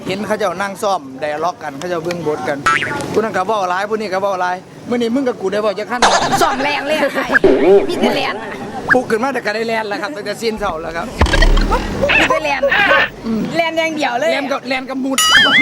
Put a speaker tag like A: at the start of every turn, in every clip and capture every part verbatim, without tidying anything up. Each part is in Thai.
A: เห็นเขาเจ้านั่งซ่อมไดอะล็อกกันเขาเจ้าเบิ่งบทกันผู้นั้นก็เว้าหลายผู้นี้ก็เว้าหลายมื้อนี้มึงกับกูได้เว้าจักคั่น
B: ซ่อมแรงเลยไอ้มีแต่แรง
A: ปลุกขึ้นมาแต่ก็ได้แล่นแล้วครับตั้งแต่สิ้นเช้าแล้วครับ
B: มีแต่แรงแรงอย่างเดียวเลย
A: แล่นกับแล่นกับมุด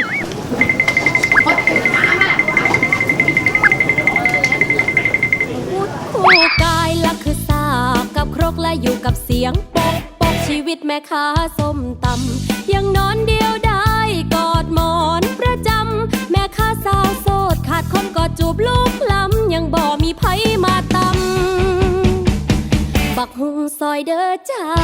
C: คู่กายละคือสากกับครกและอยู่กับเสียงปกปกชีวิตแม่ค้าส้มตำยังนอนเดียวได้กอดหมอนประจำแม่ค้าสาวโสดขาดคนกอดจูบลูกล้ำยังบ่มีไผมาตำบักหุงซอยเด้อจ้า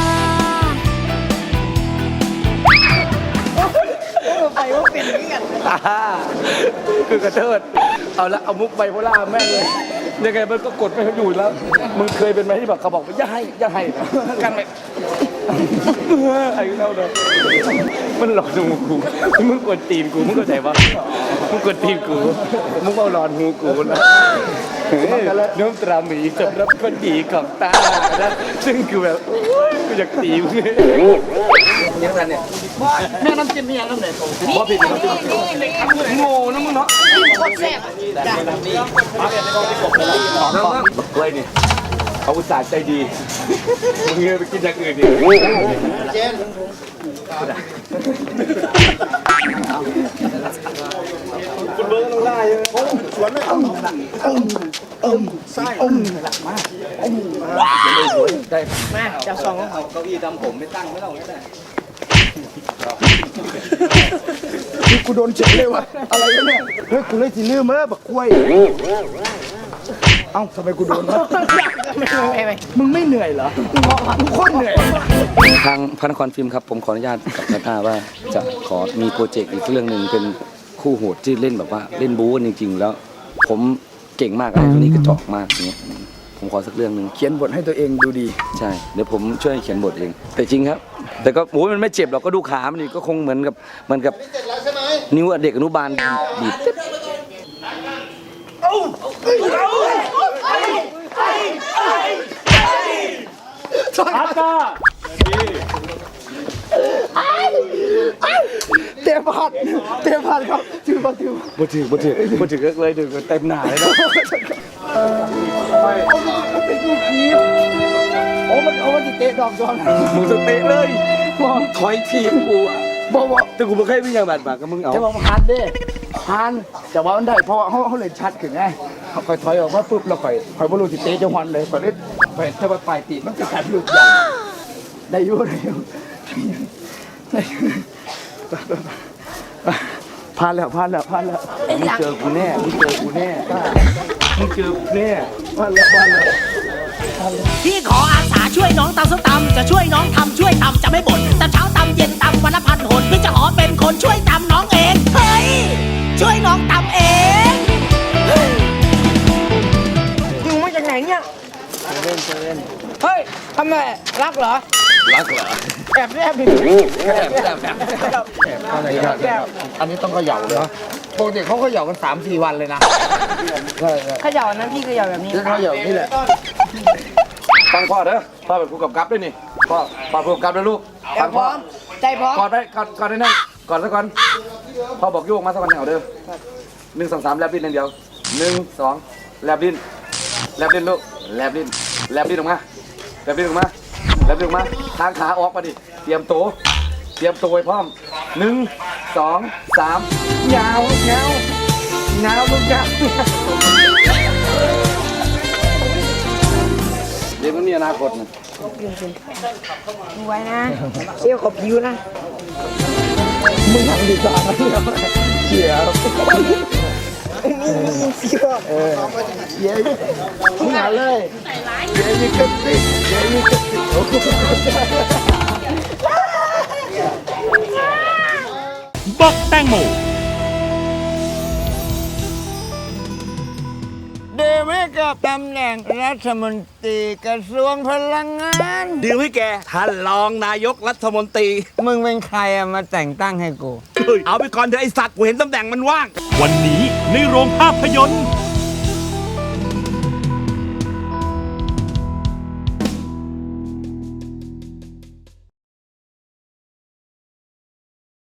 B: ไปว่าเป็นเรื่อง
D: คือกระเทิดเอาละเอามุกไบโพล่าแม่งเลยยังไงมันก็กดไม่อยู่แล้วมึงเคยเป็นไหมที่แบบเขาบอกว่าอย่าให้อย่าให้นะกันไปไอ้เล่าเลยมันหลอกดูกูมึงกดตีนกูมึงเข้าใจปะมึงกดตีนกูมึงเอาหลอนหูกูนะน้ำตราหมีสำหรับคนดีของตานะซึ่งคือแบบกูอยากตีมึงยังไงเนี่ยแม่น้ำจิ้มนี่ยังน้ำไหนพอผิดน้ำจิ้มโง่นะมึงเนาะ
B: โคตรแซ่บจ้ะ
D: แล้วก็กล้วยนี่เขาอุตส่าห์ใจดีมึงเงยไปกินอย่างอื่นดิเจนคุณเบิร์ดลงได้เลยสวนไม่ต้องอมอมไส้อมหลักมากได้มาจะซองเอาเก้าอี้ทำผมไม่ตั้งไม่ต้องก็ได้
A: กูโดนเฉยเลยวะอะไรวะเนี่ยเฮ้ยกูเลยสิลืมเมื่อบักกล้วยเอ้าทำไมกูโดนวะมึงไม่เหนื่อยเหรอมึงโคตรเหนื่อย
D: ทางพระนครฟิล์มครับผมขออนุญาตกับนาตาว่าจะขอมีโปรเจกต์อีกเรื่องหนึ่งเป็นคู่โหดที่เล่นแบบว่าเล่นบู๊จริงๆแล้วผมเก่งมากอะไรตัวนี้กระจอกมากอย่างเงี้ยผมขอสักเรื่องหนึ่ง
A: เขียนบทให้ตัวเองดูดี
D: ใช่เดี๋ยวผมช่วยเขียนบทเองแต่จริงครับแต่ก็โอ้ยมันไม่เจ็บหรอกก็ดูขามันนี่ก็คงเหมือนกับเหมือนกับนิ้วเด็กอนุบาลบีบ
A: อาตาเตะพัดเตะพัดครับถือมาถือ
D: มาถือมาถือมาถือเลยถือเต็มหนาเลยนะ
A: โอ้มันเอามันจะเตะดอกจอน
D: มึงจะเตะเลยมึงถอยทีมกูอ่ะบอกว่าแต่กูไม่เคยวิ่งอย่างบาดบาดกับมึงเอา
A: จะบอกฮันเด้ฮันแต่ว่ามันได้เพราะเขาเขาเลยชัดขึ้นไงเขาคอยถอยออกมาปุ๊บเราคอยคอยบอลลูนติเตะจังหวัดเลยคอยเล่นคอยถ้าว่าปลายตีมันจะขัดลูกใหญ่ได้ยุ่ได้ยุ่พลาดแล้วพลาดแล้วพลาดแล้วมึงเจอกูแน่มึงเจอกูแน่มึงเจอกูแน่พลาดแล้วพลาดแล้ว
E: พี่ขออาสาช่วยน้องตำส้มตำจะช่วยน้องทำช่วยทำจะไม่บ่นตำเช้าตำเย็นตำวันละพันหนพี่จะขอเป็นคนช่วยตำน้องเองเฮ้ยช่วยน้องตำเองมึงมาจากไหนเนี่ยเล่นเล่นเฮ้ยทำไมรักเหรอ
D: รักเหรอ
E: แอบแอบดิ
D: แอบแอบแอบ
A: อะไรกันอันนี้ต้องเขย่าเลยปกติเขาเขย่ากันสามสี่วันเลยนะใช่
B: เขย่านั้นพี่เขย่าแบบนี้
A: เขย่านี่แหละ
D: ฟังพ่อเด้อพ่อเป็นผู้กำกับด้วยนี่พ่อพ่อผู้กำกับด้วยลูกฟังพ่อ
B: ใจพร้อม
D: กอดไปกอดกอดได้นั่นกอดซะก่อนพ่อบอกโยกมาสักวันเหนียวเด้อหนึ่งสองสามแลบลิ้นอย่างเดียวหนึ่งสองแลบลิ้นแลบลิ้นลูกแลบลิ้นแลบลิ้นออกมาแลบลิ้นออกมาแลบลิ้นออกมาทางขาออกมาดิเตรียมตัวเตรียมตัวไว้พร้อมหนึ่งสองสามยาวยาวยาวลูกยาวเดี๋ยวมันมีอนาคตนะ
B: ดูไว้นะเชี่ยวขอบผิวนะ
A: มึงทำดีกว่าเชี่ยว
B: เชี่ยว
A: เออเย้มึงหาเลยเย้ยิ่งกระติกเย้ยิ่งกระติกโอ้โห
F: บักแตงโม
A: เดวิกับตำแหน่งรัฐมนตรีกระทรวงพลังงาน
F: ดีลให้แกท่านรองนายกรัฐมนตรี
A: มึงเป็นใครอะมาแต่งตั้งให้กู
F: เอาไปก่อนเถอะไอสัตว์กูเห็นตำแหน่งมันว่างวันนี้ในโรงภาพยนตร์